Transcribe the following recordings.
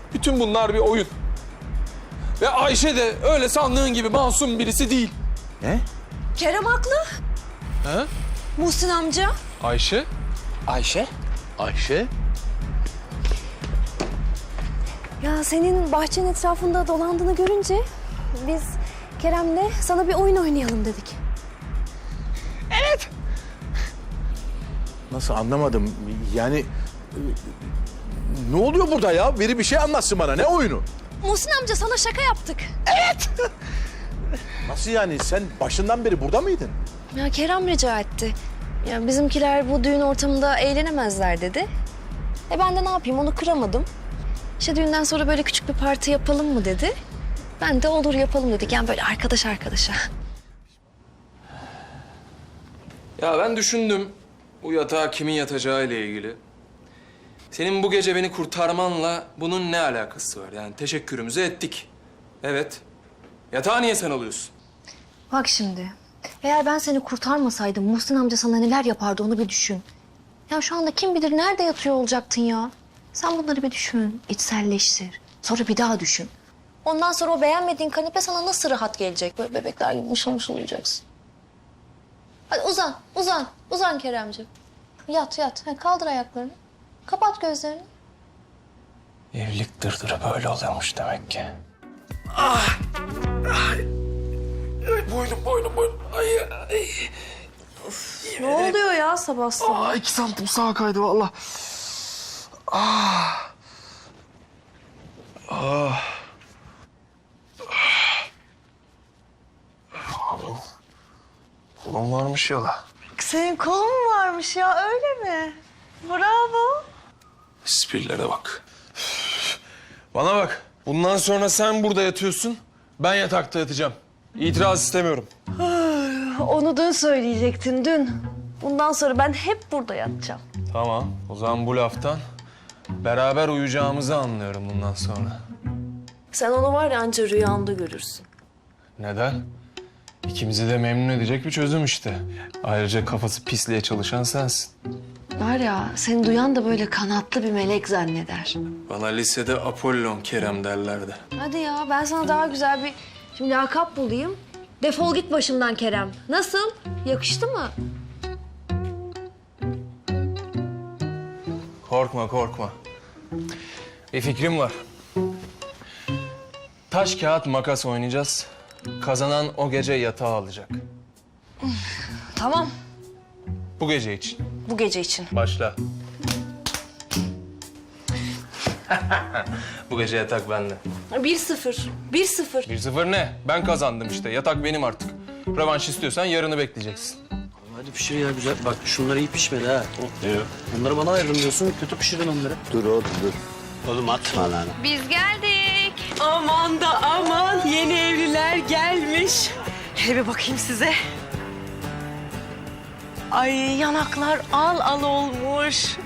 Bütün bunlar bir oyun. Ve Ayşe de öyle sandığın gibi masum birisi değil. Ne? Kerem haklı. He? Muhsin amca. Ayşe? Ayşe? Ayşe? Ya senin bahçenin etrafında dolandığını görünce biz Kerem'le sana bir oyun oynayalım dedik. Nasıl anlamadım? Yani ne oluyor burada ya? Biri bir şey anlatsın bana. Ne oyunu? Muhsin amca sana şaka yaptık. Nasıl yani? Sen başından beri burada mıydın? Ya Kerem rica etti. Ya bizimkiler bu düğün ortamında eğlenemezler dedi. Ben de ne yapayım onu kıramadım. İşte düğünden sonra böyle küçük bir parti yapalım mı dedi. Ben de olur yapalım dedik. Yani böyle arkadaş arkadaşa. Ya ben düşündüm bu yatağa kimin yatacağı ile ilgili. Senin bu gece beni kurtarmanla bunun ne alakası var? Yani teşekkürümüzü ettik. Evet. Yatağı niye sen alıyorsun? Bak şimdi. Eğer ben seni kurtarmasaydım Muhsin amca sana neler yapardı onu bir düşün. Ya şu anda kim bilir nerede yatıyor olacaktın ya. Sen bunları bir düşün, içselleştir. Sonra bir daha düşün. Ondan sonra o beğenmediğin kanepe sana nasıl rahat gelecek? Böyle bebekler gibi mışıl mışıl uyuyacaksın. Hadi uzan Keremciğim. Yat. Ha, kaldır ayaklarını. Kapat gözlerini. Evlilik dırdırı böyle oluyormuş demek ki. Boynum. Ay. Ne oluyor ya sabah sabah? 2 santim sağa kaydı vallahi. Kolum varmış yola. Senin kolun mu varmış ya öyle mi? Bravo. Esprilere bak. Bana bak. Bundan sonra sen burada yatıyorsun. Ben yatakta yatacağım. İtiraz istemiyorum. Onu dün söyleyecektin dün. Bundan sonra ben hep burada yatacağım. Tamam. O zaman bu laftan beraber uyuyacağımızı anlıyorum bundan sonra. Sen onu var ya anca rüyanda görürsün. Neden? İkimizi de memnun edecek bir çözüm işte. Ayrıca kafası pisliğe çalışan sensin. Var ya seni duyan da böyle kanatlı bir melek zanneder. Bana lisede Apollon Kerem derlerdi. Hadi ya ben sana daha güzel bir şimdi lakap bulayım. Defol git başımdan Kerem. Nasıl? Yakıştı mı? Korkma. Bir fikrim var. Taş, kağıt, makas oynayacağız. Kazanan o gece yatağı alacak. Tamam. Bu gece için. Bu gece için. Başla. Bu gece yatak bende. 1-0. 1-0. 1-0 ne? Ben kazandım işte. Yatak benim artık. Rövanş istiyorsan yarını bekleyeceksin. Hadi pişir ya güzel. Bak şunlar iyi pişmedi ha. Bunları bana ayırın diyorsun. Kötü pişirdin onları. Dur oğlum dur. Oğlum atma lan. Biz geldik. Aman da aman yeni evliler gelmiş. Hele bir bakayım size. Ay yanaklar al olmuş.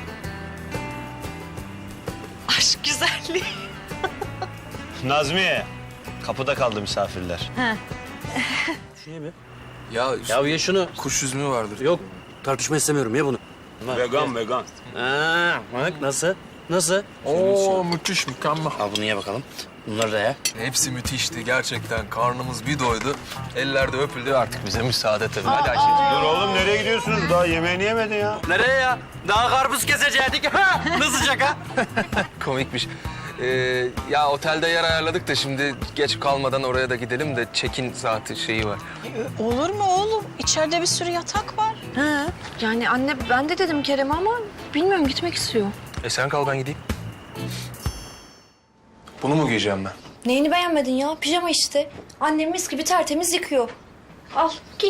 Aşk güzelliği. Nazmiye. Kapıda kaldı misafirler. Şunu ye be. Ya ye şunu. Kuş üzümü vardır. Yok tartışma istemiyorum ye bunu. Vegan. Ha, bak nasıl? Nasıl? Oo müthiş, mükemmel. Al bunu ye bakalım. Bunları da ye. Hepsi müthişti gerçekten. Karnımız bir doydu. Eller de öpüldü. Artık bize müsaade tabii. Hadi Ayşe'ciğim. Dur oğlum nereye gidiyorsunuz? Daha yemeğini yemedin ya. Nereye ya? Daha karpuz kesecektik. Nasıl şaka? Komikmiş. Ya otelde yer ayarladık da şimdi geç kalmadan oraya da gidelim de check-in saati şeyi var. Olur mu oğlum? İçeride bir sürü yatak var. Yani anne ben de dedim Kerem'e ama bilmiyorum gitmek istiyor. Sen kal ben gideyim. Bunu mu giyeceğim ben? Neyini beğenmedin ya? Pijama işte. Annem mis gibi tertemiz yıkıyor. Al giy.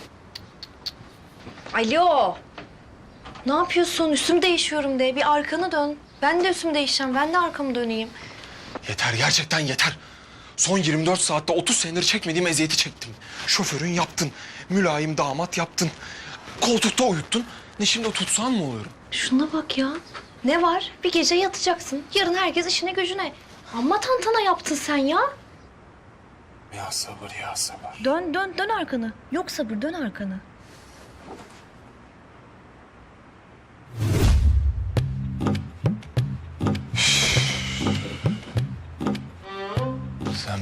Alo. Ne yapıyorsun? Üstümü değişiyorum de. Bir arkanı dön. Ben de üstümü değişeceğim. Ben de arkamı döneyim. Yeter, gerçekten yeter. Son 24 saatte 30 senedir çekmediğim eziyeti çektim. Şoförün yaptın, mülayim damat yaptın. Koltukta uyuttun. Ne şimdi tutsan mı oluyorum? Şuna bak ya. Ne var? Bir gece yatacaksın. Yarın herkes işine gücüne. Amma tantana yaptın sen ya. Ya sabır. Dön arkanı. Yok sabır dön arkanı.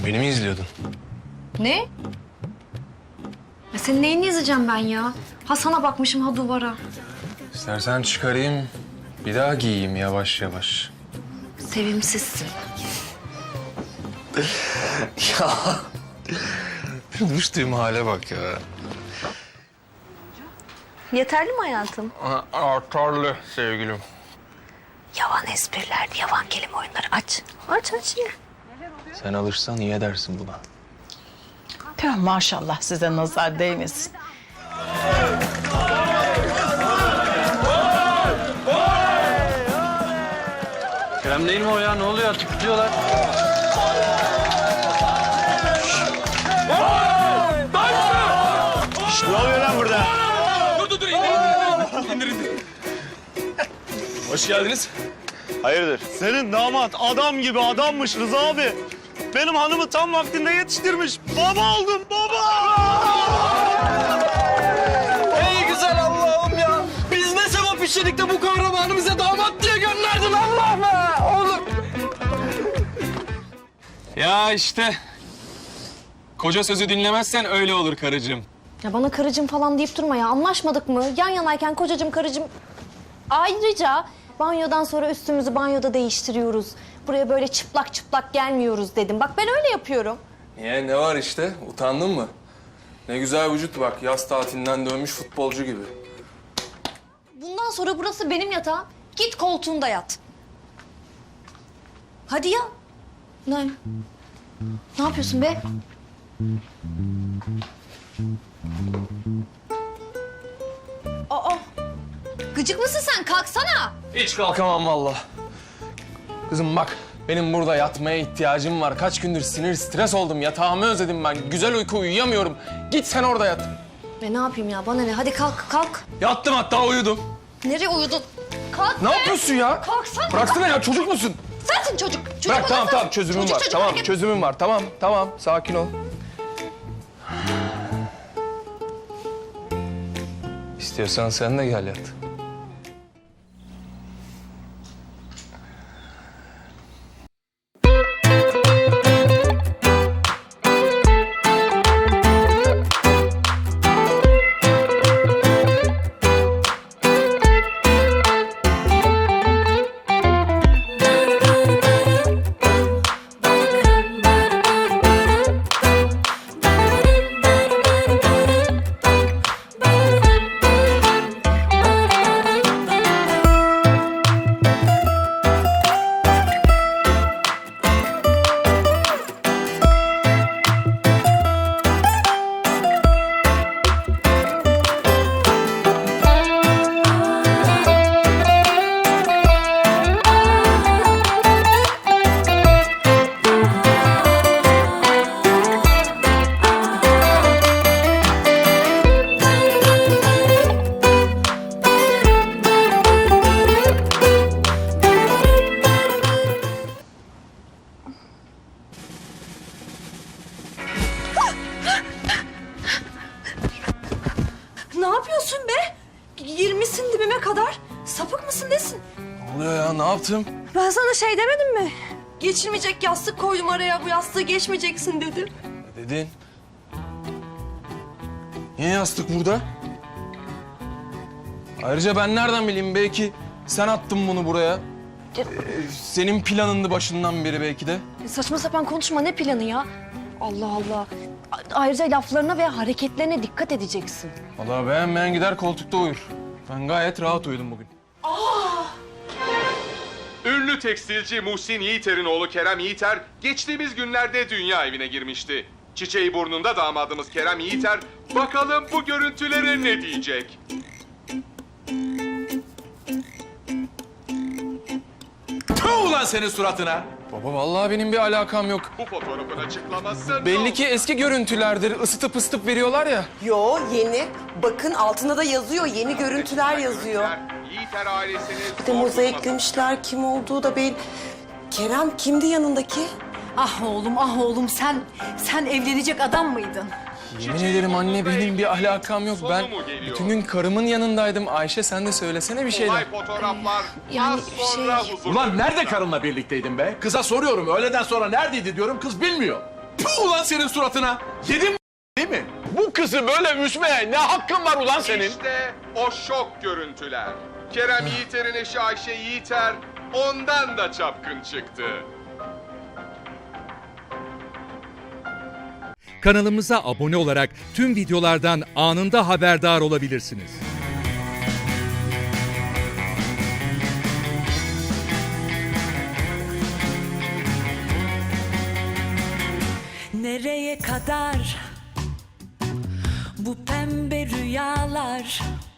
Beni mi izliyordun? Ne? Ya senin neyini izleyeceğim ben ya? Ha sana bakmışım ha duvara. İstersen çıkarayım, bir daha giyeyim yavaş yavaş. Sevimsizsin. Ya, düştüğüm hale bak ya. Yeterli mi hayatım? Artarlı sevgilim. Yavan espriler, yavan kelime oyunları aç. Aç ye. Sen alırsan iyi edersin buna. Tüh, maşallah size nazar değmesin. Kerem değil mi o ya? Ne oluyor? Tutuyorlar. Ne oluyor lan burada? Dur, indir. Hoş geldiniz. Hayırdır? Senin damat adam gibi adammış Rıza abi. Benim hanımı tam vaktinde yetiştirmiş. Baba oldum baba. Ey güzel Allah'ım ya. Biz ne sevap işledik de bu kahramanı bize damat diye gönderdin Allah be oğlum. Ya işte. Koca sözü dinlemezsen öyle olur karıcığım. Ya bana karıcığım falan deyip durma ya. Anlaşmadık mı? Yan yanayken kocacığım karıcığım. Ayrıca banyodan sonra üstümüzü banyoda değiştiriyoruz. Buraya böyle çıplak çıplak gelmiyoruz dedim. Bak ben öyle yapıyorum. Niye? Ne var işte? Utandın mı? Ne güzel vücut bak. Yaz tatilinden dönmüş futbolcu gibi. Bundan sonra burası benim yatağım. Git koltuğunda yat. Hadi ya. Ne? Ne yapıyorsun be? Aa! Gıcık mısın sen? Kalksana. Hiç kalkamam vallahi. Kızım bak, benim burada yatmaya ihtiyacım var. Kaç gündür sinir, stres oldum. Yatağımı özledim ben. Güzel uyku uyuyamıyorum. Git sen orada yat. Ne yapayım ya? Bana ne? Hadi kalk, kalk. Yattım hatta uyudum. Nereye uyudun? Kalk Ne be! yapıyorsun ya? Kalksana. Bıraksana ya, çocuk musun? Sensin çocuk. Çocuk Bırak, tamam odası. tamam, çözümüm Çocuk, var. çocuk, Tamam, hareket- çözümüm var. Tamam, sakin ol. İstiyorsan sen de gel yat. Ne yapıyorsun be? Girmişsin dibime kadar. Sapık mısın nesin? Ne oluyor ya? Ne yaptım? Ben sana şey demedim mi? Geçirmeyecek yastık koydum araya. Bu yastığı geçmeyeceksin dedim. Ne dedin? Niye yastık burada? Ayrıca ben nereden bileyim? Belki sen attın bunu buraya. Senin planındı başından beri belki de. Saçma sapan konuşma. Ne planı ya? Allah Allah. Ayrıca laflarına ve hareketlerine dikkat edeceksin. Vallahi beğenmeyen gider koltukta uyur. Ben gayet rahat uyudum bugün. Ünlü tekstilci Muhsin Yiğiter'in oğlu Kerem Yiğiter geçtiğimiz günlerde dünya evine girmişti. Çiçeği burnunda damadımız Kerem Yiğiter bakalım bu görüntülere ne diyecek? Tüh ulan senin suratına. Baba vallahi benim bir alakam yok. Bu fotoğrafın açıklaması Belli ki eski görüntülerdir. Isıtıp ısıtıp veriyorlar ya. Yo yeni. Bakın altında da yazıyor. Yeni görüntüler yazıyor. Yiğiter ailesini Bir de mozaiklemişler. Kim olduğu da belli. Kerem kimdi yanındaki? Ah oğlum sen evlenecek adam mıydın? Yemin ederim anne benim bir alakam yok. Ben bütün gün karımın yanındaydım. Ayşe sen de söylesene bir şeyler. olay fotoğraflar Yani az sonra şey- huzur. Ulan nerede karınla birlikteydin be? Kıza soruyorum. Öğleden sonra neredeydi diyorum. Kız bilmiyor. Tüh ulan senin suratına. Yedim değil mi? Bu kızı böyle üzmeye ne hakkın var ulan senin? İşte o şok görüntüler. Kerem Yiğiter'in eşi Ayşe Yiğiter ondan da çapkın çıktı. Kanalımıza abone olarak tüm videolardan anında haberdar olabilirsiniz. Nereye kadar bu pembe rüyalar?